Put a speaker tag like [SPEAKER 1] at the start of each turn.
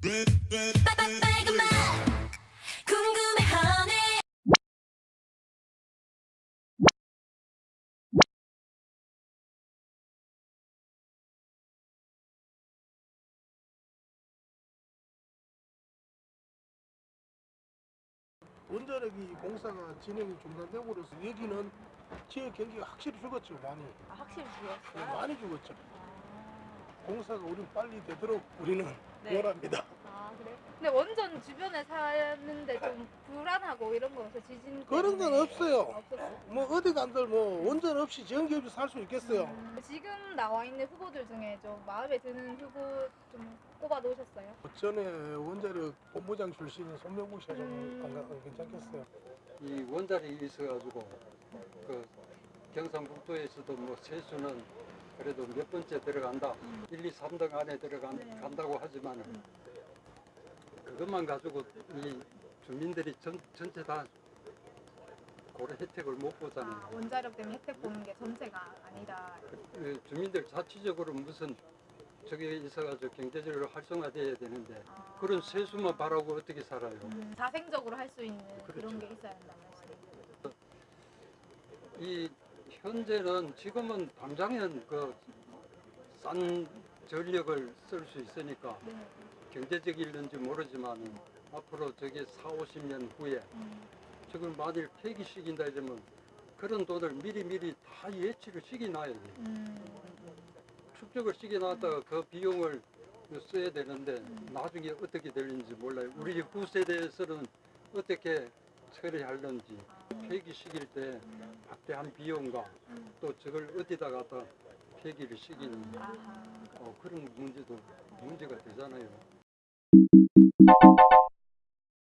[SPEAKER 1] 빨간맛 궁금해하네.
[SPEAKER 2] 원자력이 공사가 진행이 중단되고로서 여기는 지역 경기가 확실히 죽었죠. 많이.
[SPEAKER 3] 확실히 죽었어요?
[SPEAKER 2] 많이 죽었죠. 공사가 우린 빨리 되도록 우리는
[SPEAKER 3] 네.
[SPEAKER 2] 원합니다.
[SPEAKER 3] 아 그래? 근데 원전 주변에 사는데 좀 불안하고 이런 거 없어요? 지진
[SPEAKER 2] 그런 건
[SPEAKER 3] 때문에?
[SPEAKER 2] 없어요.
[SPEAKER 3] 없었어요?
[SPEAKER 2] 뭐 어디 간들 뭐 원전 없이 전기 없이 살 수 있겠어요.
[SPEAKER 3] 지금 나와 있는 후보들 중에 좀 마음에 드는 후보 좀 꼽아 놓으셨어요?
[SPEAKER 2] 전에 원자력 본부장 출신인 손명국 씨가 좀 괜찮겠어요.
[SPEAKER 4] 이 원자력이 있어가지고 그 경상북도에서도 뭐 세수는 그래도 몇 번째 들어간다, 1, 2, 3등 안에 들어간다고 하지만 그것만 가지고 이 주민들이 전체 다 고래 혜택을 못 보잖아요.
[SPEAKER 3] 아, 원자력 때문에 혜택 보는 게 전체가 아니다.
[SPEAKER 4] 주민들 자체적으로 무슨 저게 있어가지고 경제적으로 활성화돼야 되는데 그런 세수만 바라고 어떻게 살아요?
[SPEAKER 3] 자생적으로 할 수 있는 그런
[SPEAKER 4] 그렇죠.
[SPEAKER 3] 게 있어야 한다는 말씀이에요.
[SPEAKER 4] 이 현재는 지금은 당장은 그 싼 전력을 쓸 수 있으니까
[SPEAKER 3] 네.
[SPEAKER 4] 경제적일는지 모르지만 앞으로 저게 4, 50년 후에 저걸 만일 폐기시킨다 이러면 그런 돈을 미리 다 예치를 시켜놔야 돼. 축적을 시켜놨다가 그 비용을 써야 되는데 나중에 어떻게 될는지 몰라요. 우리 후세대에서는 어떻게 처리하는지 폐기시킬 때 막대한 비용과 또 저걸 어디다 갖다 폐기를 시키는
[SPEAKER 3] 아하.
[SPEAKER 4] 그런 문제가 되잖아요.